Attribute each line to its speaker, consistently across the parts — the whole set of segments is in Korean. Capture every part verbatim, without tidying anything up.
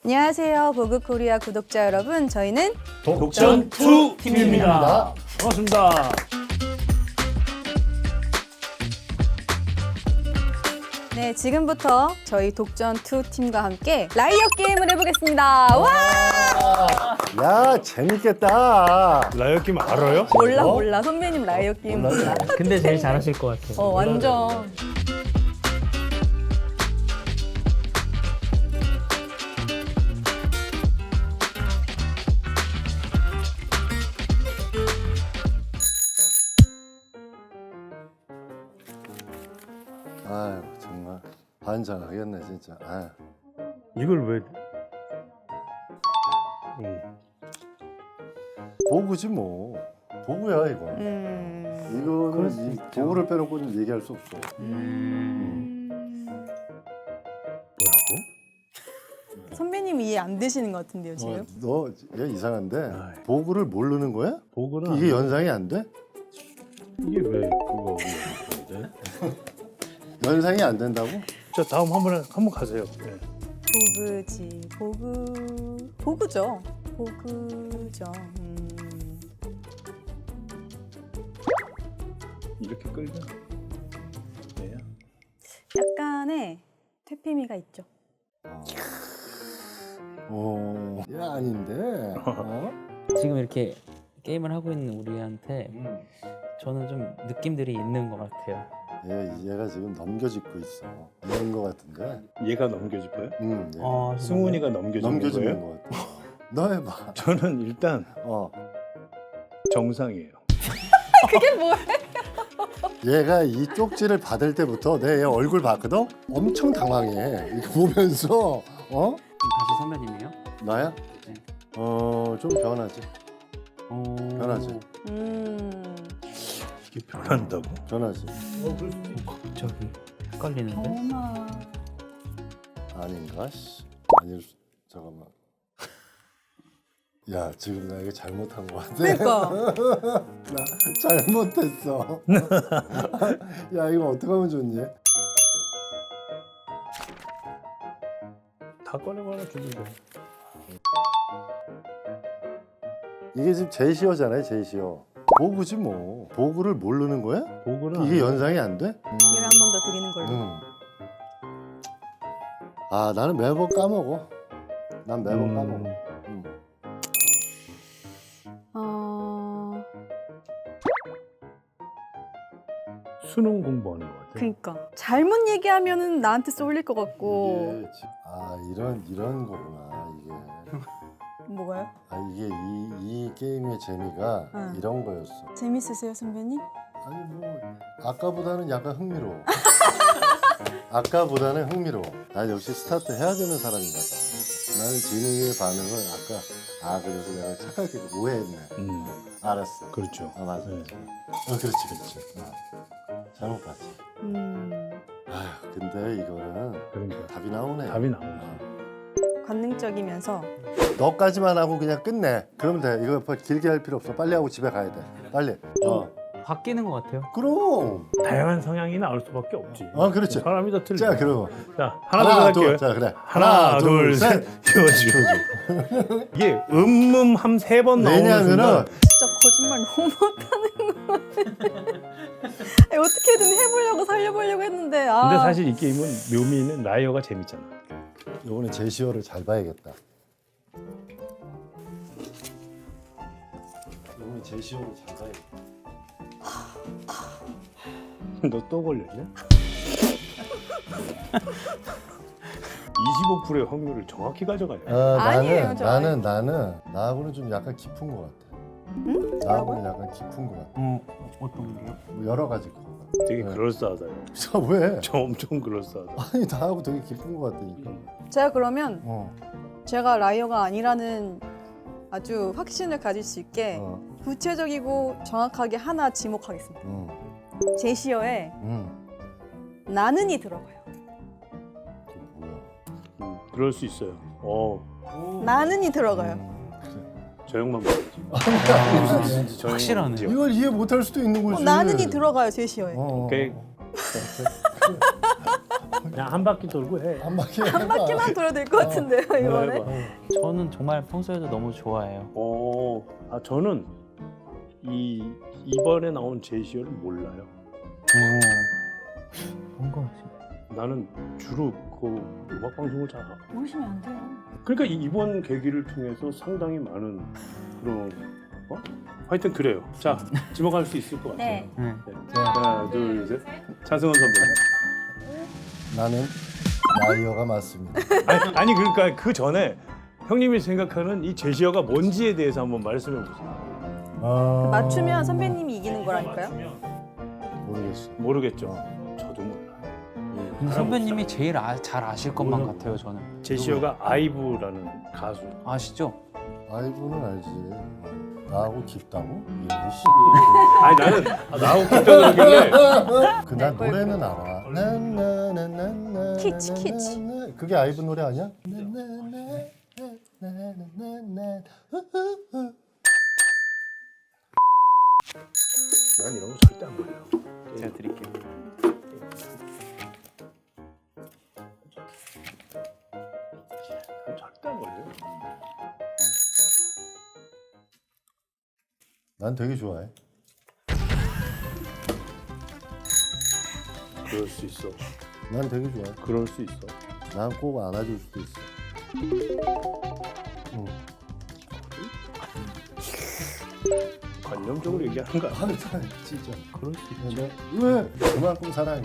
Speaker 1: 안녕하세요, 보그코리아 구독자 여러분. 저희는
Speaker 2: 독전 투 팀입니다. 반갑습니다.
Speaker 1: 네, 지금부터 저희 독전 투 팀과 함께 라이어 게임을 해보겠습니다. 와!
Speaker 3: 야, 재밌겠다.
Speaker 2: 라이어 게임 알아요?
Speaker 1: 몰라 몰라 선배님 라이어 게임 몰라.
Speaker 4: 근데 제일 잘하실 것 같아요.
Speaker 1: 어 완전.
Speaker 3: 아유, 정말 반장하겠네 진짜. 아유.
Speaker 2: 이걸 왜? 음.
Speaker 3: 보구지 뭐. 보구야 이거.
Speaker 1: 음.
Speaker 3: 이거는 이 보구를 빼놓고는 얘기할 수 없어.
Speaker 1: 음.
Speaker 2: 뭐라고?
Speaker 1: 선배님 이해 안 되시는 것 같은데요 지금?
Speaker 3: 어, 너얘 이상한데
Speaker 2: 아이.
Speaker 3: 보구를 모르는 거야?
Speaker 2: 보고는
Speaker 3: 이게 연상이 안 돼?
Speaker 2: 이게 왜 그거 건데?
Speaker 3: 연상이 안 된다고?
Speaker 2: 자 다음 한번 한번 가세요. 네.
Speaker 1: 보그지 보그 보그죠. 보그죠. 음.
Speaker 2: 이렇게 끌면 돼요?
Speaker 1: 약간의 퇴폐미가 있죠.
Speaker 3: 어, 얘 아닌데. 어?
Speaker 4: 지금 이렇게 게임을 하고 있는 우리한테 저는 좀 느낌들이 있는 것 같아요.
Speaker 3: 얘 얘가 지금 넘겨짚고 있어. 이런 거 같은데.
Speaker 2: 얘가 넘겨짚어요?
Speaker 3: 응. 얘
Speaker 4: 아,
Speaker 2: 승훈이가 넘겨짚는
Speaker 3: 넘겨짚는
Speaker 2: 거예요?
Speaker 3: 거 같아. 너 해봐.
Speaker 2: 저는 일단
Speaker 3: 어.
Speaker 2: 정상이에요.
Speaker 1: 그게 뭐야?
Speaker 3: 얘가 이 쪽지를 받을 때부터 내 얘 얼굴 봤거든? 엄청 당황해. 이거 보면서 어?
Speaker 4: 다시 선배님이요?
Speaker 3: 나야?
Speaker 4: 네.
Speaker 3: 어, 좀 변하지.
Speaker 4: 어...
Speaker 3: 변하지.
Speaker 1: 음.
Speaker 2: 이게 변한다고?
Speaker 3: 변하지.
Speaker 4: 갑자기 헷갈리는데?
Speaker 1: 전화.
Speaker 3: 아닌가? 씨. 아닐 수... 잠깐만. 야, 지금 나 이거 잘못한 거 같아.
Speaker 1: 그러니까.
Speaker 3: 나 잘못했어. 야, 이거 어떻게 하면 좋니?
Speaker 2: 다 꺼내거나 주면 돼.
Speaker 3: 이게 지금 제시어잖아요, 제시어. 보구지 뭐. 보구를 모르는 거야?
Speaker 2: 보고는
Speaker 3: 이게 연상이 안 돼?
Speaker 1: 기회를 한 번 더 드리는 걸로.
Speaker 3: 응. 아, 나는 매번 까먹어. 난 매번
Speaker 2: 음.
Speaker 3: 까먹어. 응.
Speaker 1: 어.
Speaker 2: 수능 공부하는 것 같아요.
Speaker 1: 그러니까 잘못 얘기하면은 나한테 쏠릴 것 같고.
Speaker 3: 이게 지- 아, 이런 이런 거구나 이게.
Speaker 1: 뭐가요?
Speaker 3: 아, 이게 이, 이 게임의 재미가
Speaker 1: 응.
Speaker 3: 이런 거였어.
Speaker 1: 재밌으세요, 선배님?
Speaker 3: 아니 뭐 아까보다는 약간 흥미로워. 아까보다는 흥미로워. 난 역시 스타트 해야 되는 사람인가 봐. 나는 진우의 반응을 아까 아 그래서 내가 착하게 오해했네.
Speaker 2: 음,
Speaker 3: 알았어.
Speaker 2: 그렇죠.
Speaker 3: 아 맞아.
Speaker 2: 네.
Speaker 3: 어 그렇지 그렇지. 어. 잘못 봤지.
Speaker 1: 음.
Speaker 3: 아휴 근데 이거는
Speaker 2: 그러니까
Speaker 3: 답이 나오네.
Speaker 2: 답이 나오네.
Speaker 1: 관능적이면서
Speaker 3: 너까지만 하고 그냥 끝내. 그러면 돼. 이거 뭐 길게 할 필요 없어. 빨리 하고 집에 가야 돼. 빨리. 어.
Speaker 4: 바뀌는 것 같아요.
Speaker 3: 그럼.
Speaker 2: 다양한 성향이 나올 수밖에 없지.
Speaker 3: 어 그렇지.
Speaker 2: 사람이 다 틀려.
Speaker 3: 자 그럼.
Speaker 2: 자 하나, 둘 할게요.
Speaker 3: 자 그래.
Speaker 2: 하나, 둘, 셋. 띄워줘. 이게 음음함 세 번 나오는
Speaker 3: 왜냐하면은
Speaker 2: 순간
Speaker 1: 진짜 거짓말 너무 못하는 거 같아. 아니, 어떻게든 해보려고 살려보려고 했는데 아.
Speaker 2: 근데 사실 이 게임은 묘미는 라이어가 재밌잖아.
Speaker 3: 이번에 제시어를 잘 봐야겠다. 이번에 제시어를 잘 봐야겠다.
Speaker 2: 너 또 걸렸냐? 이십오 퍼센트의 확률을 정확히 가져가냐?
Speaker 3: 아,
Speaker 1: 아니에요,
Speaker 3: 나는
Speaker 1: 저
Speaker 3: 나는 나는 나하고는 좀 약간 깊은 것 같아.
Speaker 1: 응?
Speaker 3: 나하고는 약간 깊은 것 같아.
Speaker 4: 어, 어떤 게요?
Speaker 3: 뭐 여러 가지 거.
Speaker 2: 되게
Speaker 3: 네.
Speaker 2: 그럴싸하다.
Speaker 3: 저 왜?
Speaker 2: 저 엄청 그럴싸하다.
Speaker 3: 아니 나하고 되게 깊은 것 같다니까.
Speaker 1: 제가 그러면
Speaker 3: 어.
Speaker 1: 제가 라이어가 아니라는 아주 확신을 가질 수 있게
Speaker 3: 어.
Speaker 1: 구체적이고 정확하게 하나 지목하겠습니다.
Speaker 3: 음.
Speaker 1: 제시어에
Speaker 3: 음.
Speaker 1: 나는이 들어가요.
Speaker 3: 그게 뭐야?
Speaker 2: 음, 그럴 수 있어요. 어,
Speaker 1: 나는이 들어가요.
Speaker 3: 음, 그래.
Speaker 2: 저 형만 보지. 저
Speaker 4: 확실하네.
Speaker 2: 형만
Speaker 3: 이걸 이해 못할 수도 있는
Speaker 1: 어,
Speaker 3: 거지.
Speaker 1: 나는이 들어가요 제시어에.
Speaker 3: 어.
Speaker 2: 오케이. 그냥 한 바퀴 돌고 해.
Speaker 3: 한 바퀴
Speaker 1: 한 바퀴만 돌아도 될 것 같은데요 이번에.
Speaker 2: 해봐.
Speaker 4: 저는 정말 평소에도 너무 좋아해요.
Speaker 2: 어, 아 저는 이 이번에 나온 제시어를 몰라요.
Speaker 4: 오. 뭔가
Speaker 2: 나는 주로 그 음악 방송을 잘 안.
Speaker 1: 모르시면 안 돼요.
Speaker 2: 그러니까 이- 이번 계기를 통해서 상당히 많은 그런 어? 하여튼 그래요. 자, 지목할 수 있을 것 같아요.
Speaker 1: 네.
Speaker 4: 네.
Speaker 2: 네. 하나, 둘, 셋. 차승원 선배님.
Speaker 3: 나는 라이어가 맞습니다.
Speaker 2: 아니, 아니 그러니까 그 전에 형님이 생각하는 이 제시어가 뭔지에 대해서 한번 말씀해 보세요.
Speaker 3: 어...
Speaker 1: 맞추면 선배님이 이기는 거라니까요.
Speaker 3: 모르겠어.
Speaker 2: 모르겠죠. 저도 몰라요.
Speaker 4: 근데 선배님이 제일 아, 잘 아실 것만
Speaker 2: 뭐라고?
Speaker 4: 같아요 저는.
Speaker 2: 제시어가 아이브라는 가수.
Speaker 4: 아시죠?
Speaker 3: 아이브는 알지. 나하고 깊다고? 이씨.
Speaker 2: 아니 나는 나하고 그때 그러길래
Speaker 3: 그난 노래는 알아. 나나나나나.
Speaker 1: 키치, 키치.
Speaker 3: 그게 아이브 노래 아니야? 나나나나나나나나. 후후후.
Speaker 2: 난 이런 거 절대 안 몰라요.
Speaker 4: 제가 드릴게요.
Speaker 2: 난 절대 안 몰라요.
Speaker 3: 난 되게 좋아해.
Speaker 2: 그럴 수 있어.
Speaker 3: 난 되게 좋아해.
Speaker 2: 그럴 수 있어.
Speaker 3: 난 꼭 안아줄 수도 있어. 응.
Speaker 2: 관념적으로 얘기하는 거 아니야?
Speaker 3: 아, 진짜.
Speaker 4: 그럴 수 있죠.
Speaker 3: 네. 왜? 그만큼 사랑해.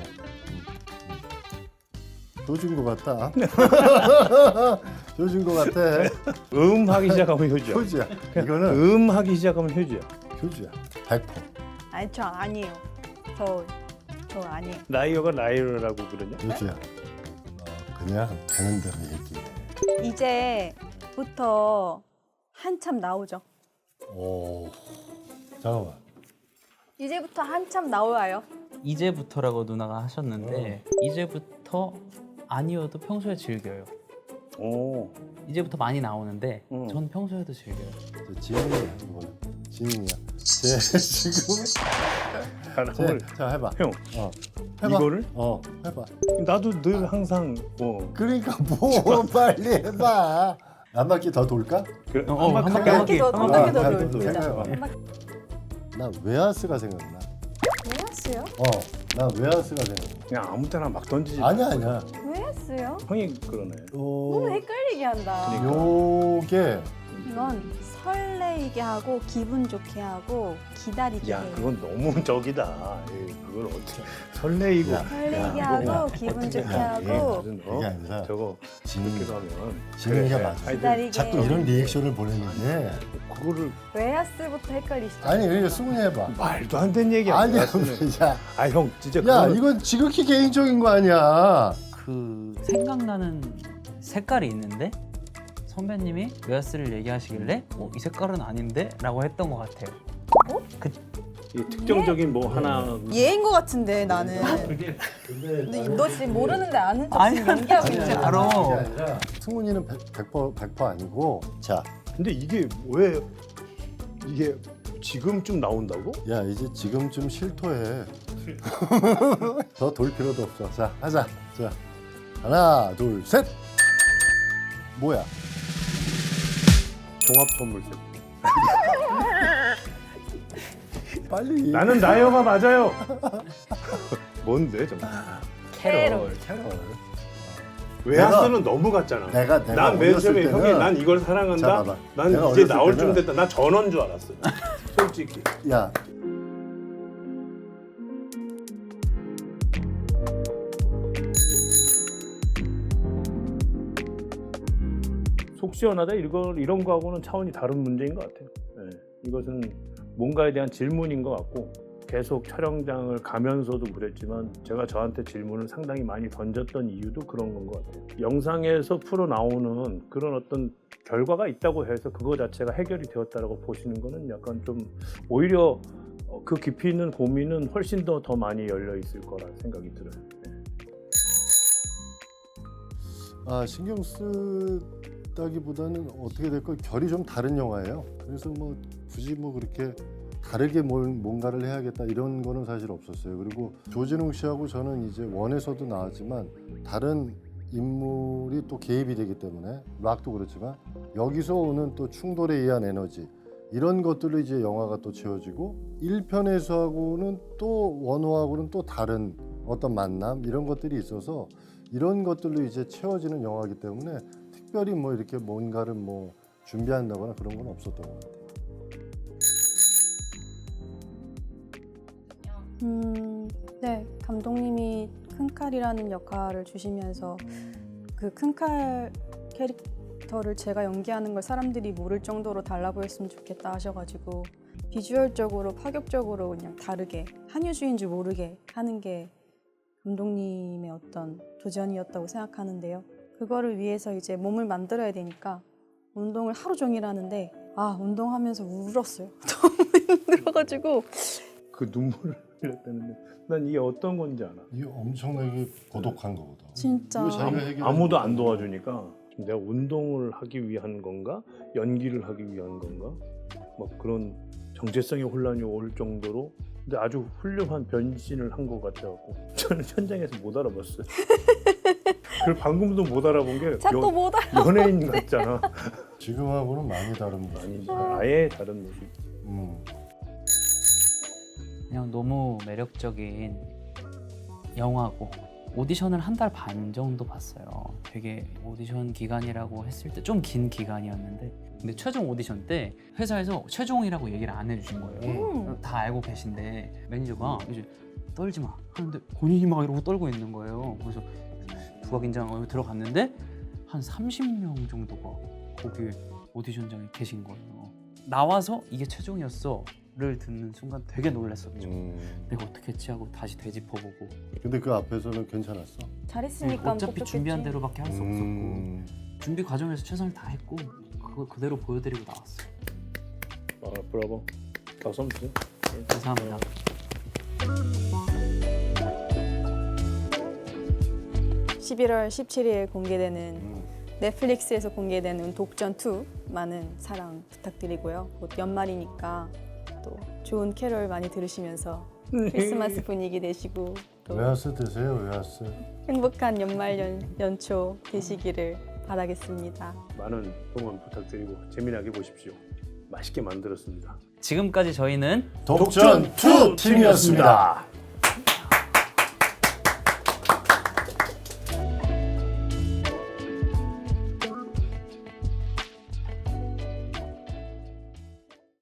Speaker 3: 조준 거 같다. 조준 거 같아.
Speaker 2: 음 하기 시작하면 효주야.
Speaker 3: 효주야. 이거는
Speaker 2: 음 하기 시작하면 효주야.
Speaker 3: 효주야. 백 퍼센트.
Speaker 1: 아니 저 아니에요. 저 저 아니에요.
Speaker 2: 라이어가 라이어라고 그러냐?
Speaker 3: 효주야. 어, 그냥 되는 대로 얘기해.
Speaker 1: 이제부터 한참 나오죠.
Speaker 3: 오. 잠깐만.
Speaker 1: 이제부터 한참 나와요.
Speaker 4: 이제부터라고 누나가 하셨는데 이제부터 아니어도 평소에 즐겨요.
Speaker 2: 오.
Speaker 4: 이제부터 많이 나오는데
Speaker 2: 음.
Speaker 4: 전 평소에도 즐겨요.
Speaker 3: 저 지민이야. 이거는. 지민이야. 쟤 지금.
Speaker 2: 하나
Speaker 3: 쟤,
Speaker 2: 오늘
Speaker 3: 자 해봐.
Speaker 2: 형
Speaker 3: 어. 해봐.
Speaker 2: 이거를
Speaker 3: 어. 해봐.
Speaker 2: 나도 늘 항상 뭐
Speaker 3: 그러니까 뭐 빨리 해봐. 한 바퀴 더 돌까?
Speaker 2: 그,
Speaker 4: 어, 어,
Speaker 2: 한번
Speaker 4: 한
Speaker 2: 가까이
Speaker 4: 바퀴
Speaker 1: 한 바퀴 더, 한 바퀴 더
Speaker 3: 아,
Speaker 1: 돌자.
Speaker 3: 생각해봐.
Speaker 1: 한 바퀴.
Speaker 3: 나 웨하스가 생각나.
Speaker 1: 왜 했어요?
Speaker 3: 어. 나 웨하스가 생각나.
Speaker 2: 그냥 아무 때나 막 던지지.
Speaker 3: 아니야 아니야.
Speaker 1: 왜 했어요?
Speaker 2: 형이 그러네.
Speaker 1: 너무
Speaker 3: 요
Speaker 1: 헷갈리게 한다.
Speaker 2: 그러니까.
Speaker 3: 요게
Speaker 1: 이건 설레이게 하고 기분 좋게 하고 기다리게
Speaker 2: 야
Speaker 1: 해요.
Speaker 2: 그건 너무 적이다. 에이, 그걸 어떻게 설레이고.
Speaker 3: 야,
Speaker 1: 설레게
Speaker 3: 야,
Speaker 1: 하고
Speaker 3: 야.
Speaker 1: 기분 좋게
Speaker 3: 야,
Speaker 2: 이게
Speaker 1: 하고
Speaker 2: 무슨
Speaker 3: 그게
Speaker 2: 어?
Speaker 3: 아니라
Speaker 2: 저거
Speaker 3: 지민이
Speaker 2: 그렇게 하면
Speaker 3: 지민이가
Speaker 2: 그래,
Speaker 3: 맞아.
Speaker 2: 하여튼
Speaker 1: 기다리게
Speaker 3: 자꾸 이런 리액션을 보내는데
Speaker 2: 그거를
Speaker 1: 웨하스부터 헷갈리시죠?
Speaker 3: 아니 그러니까 승훈이 해봐.
Speaker 2: 말도 안 되는 얘기야.
Speaker 3: 아니야.
Speaker 2: 야,
Speaker 3: 야,
Speaker 2: 아형 진짜
Speaker 3: 야
Speaker 2: 그거는
Speaker 3: 이건 지극히 개인적인 거 아니야.
Speaker 4: 그 생각나는 색깔이 있는데 선배님이 웨하스를 얘기하시길래 어, 이 색깔은 아닌데? 라고 했던 것 같아요.
Speaker 2: 이 특정적인 뭐 하나
Speaker 1: 얘인 것 같은데 나는.
Speaker 2: 그게
Speaker 3: 근데
Speaker 1: 근데 너 지금 모르는데 아는 척
Speaker 4: 아니,
Speaker 1: 지금 연기하고 있는
Speaker 4: 진짜
Speaker 1: 거야.
Speaker 4: 알아.
Speaker 3: 그게 아니라 승훈이는 백 퍼센트 백 퍼센트 아니고 자,
Speaker 2: 근데 이게 왜 이게 지금쯤 나온다고?
Speaker 3: 야 이제 지금쯤 실토해. 더 돌 필요도 없어. 자 하자. 자 하나 둘 셋. 뭐야?
Speaker 2: 종합 선물 세트.
Speaker 3: 빨리.
Speaker 2: 나는 나이어가 맞아요. 뭔데 정말?
Speaker 1: 캐롤.
Speaker 3: 캐롤.
Speaker 2: 웨하스는 너무 같잖아.
Speaker 3: 내가 내가
Speaker 2: 난 맨
Speaker 3: 어렸을
Speaker 2: 처음에
Speaker 3: 때는
Speaker 2: 형이 난 이걸
Speaker 3: 자,
Speaker 2: 사랑한다.
Speaker 3: 봐봐.
Speaker 2: 난
Speaker 3: 내가
Speaker 2: 이제
Speaker 3: 어렸을
Speaker 2: 나올 쯤
Speaker 3: 때는-
Speaker 2: 됐다. 난 전원 줄 알았어요. 솔직히.
Speaker 3: 야
Speaker 2: 속 시원하다 이거 이런 거하고는 차원이 다른 문제인 것 같아요. 네. 이것은 뭔가에 대한 질문인 것 같고 계속 촬영장을 가면서도 그랬지만 제가 저한테 질문을 상당히 많이 던졌던 이유도 그런 건 것 같아요. 영상에서 풀어 나오는 그런 어떤 결과가 있다고 해서 그거 자체가 해결이 되었다라고 보시는 거는 약간 좀 오히려 어, 그 깊이 있는 고민은 훨씬 더 더 많이 열려 있을 거라 생각이 들어요. 네.
Speaker 3: 아 신경 쓰다기보다는 어떻게 될까 결이 좀 다른 영화예요. 그래서 뭐 굳이 뭐 그렇게 다르게 뭘 뭔가를 해야겠다 이런 거는 사실 없었어요. 그리고 조진웅 씨하고 저는 이제 원에서도 나왔지만 다른 인물이 또 개입이 되기 때문에 락도 그렇지만 여기서 오는 또 충돌에 의한 에너지 이런 것들로 이제 영화가 또 채워지고 일 편에서하고는 또 원호하고는 또 다른 어떤 만남 이런 것들이 있어서 이런 것들로 이제 채워지는 영화이기 때문에 특별히 뭐 이렇게 뭔가를 뭐 준비한다거나 그런 건 없었던 것 같아요.
Speaker 1: 음, 네, 감독님이 큰칼이라는 역할을 주시면서 그 큰칼 캐릭터를 제가 연기하는 걸 사람들이 모를 정도로 달라 보였으면 좋겠다 하셔가지고 비주얼적으로 파격적으로 그냥 다르게 한유주인 줄 모르게 하는 게 감독님의 어떤 도전이었다고 생각하는데요. 그거를 위해서 이제 몸을 만들어야 되니까 운동을 하루 종일 하는데 아 운동하면서 울었어요. 너무 힘들어가지고
Speaker 2: 그 눈물을 흘렸다는데 난 이게 어떤 건지 알아.
Speaker 3: 이게 엄청나게 고독한 거거든.
Speaker 1: 진짜
Speaker 3: 이거 자기가 해결하는
Speaker 2: 아무도 안
Speaker 3: 거거든요.
Speaker 2: 도와주니까 내가 운동을 하기 위한 건가 연기를 하기 위한 건가 막 그런 정체성의 혼란이 올 정도로 근데 아주 훌륭한 변신을 한 것 같아갖고 저는 현장에서 못 알아봤어요. 그리고 방금도 못 알아본 게
Speaker 1: 자꾸
Speaker 2: 연,
Speaker 1: 못 알아.
Speaker 2: 연예인 같잖아.
Speaker 3: 지금하고는 많이 다른 모습.
Speaker 2: 아니 아예 다른 모습.
Speaker 3: 음.
Speaker 4: 그냥 너무 매력적인 영화고 오디션을 한 달 반 정도 봤어요. 되게 오디션 기간이라고 했을 때 좀 긴 기간이었는데 근데 최종 오디션 때 회사에서 최종이라고 얘기를 안 해주신 거예요.
Speaker 1: 음.
Speaker 4: 다 알고 계신데 매니저가 이제 떨지 마 하는데 본인이 막 이러고 떨고 있는 거예요. 그래서 누가 긴장하고 들어갔는데 한 삼십 명 정도가 거기 오디션장에 계신 거예요. 나와서 이게 최종이었어를 듣는 순간 되게 놀랐었죠.
Speaker 3: 음.
Speaker 4: 내가 어떻게 했지 하고 다시 되짚어보고
Speaker 3: 근데 그 앞에서는 괜찮았어.
Speaker 1: 잘했으니까
Speaker 4: 어차피
Speaker 1: 뽑혔겠지.
Speaker 4: 준비한 대로밖에 할 수 없었고
Speaker 3: 음.
Speaker 4: 준비 과정에서 최선을 다했고 그걸 그대로 보여드리고 나왔어요.
Speaker 2: 아 브라보. 박수 한번 주세요.
Speaker 4: 감사합니다.
Speaker 1: 십일월 십칠일 공개되는
Speaker 3: 음.
Speaker 1: 넷플릭스에서 공개되는 독전 투 많은 사랑 부탁드리고요. 곧 연말이니까 또 좋은 캐롤 많이 들으시면서 크리스마스 분위기 되시고 또
Speaker 3: 웨하스 드세요, 웨하스.
Speaker 1: 행복한 연말 연, 연초 되시기를 바라겠습니다.
Speaker 2: 많은 응원 부탁드리고 재미나게 보십시오. 맛있게 만들었습니다.
Speaker 4: 지금까지 저희는
Speaker 3: 독전 투 팀이었습니다.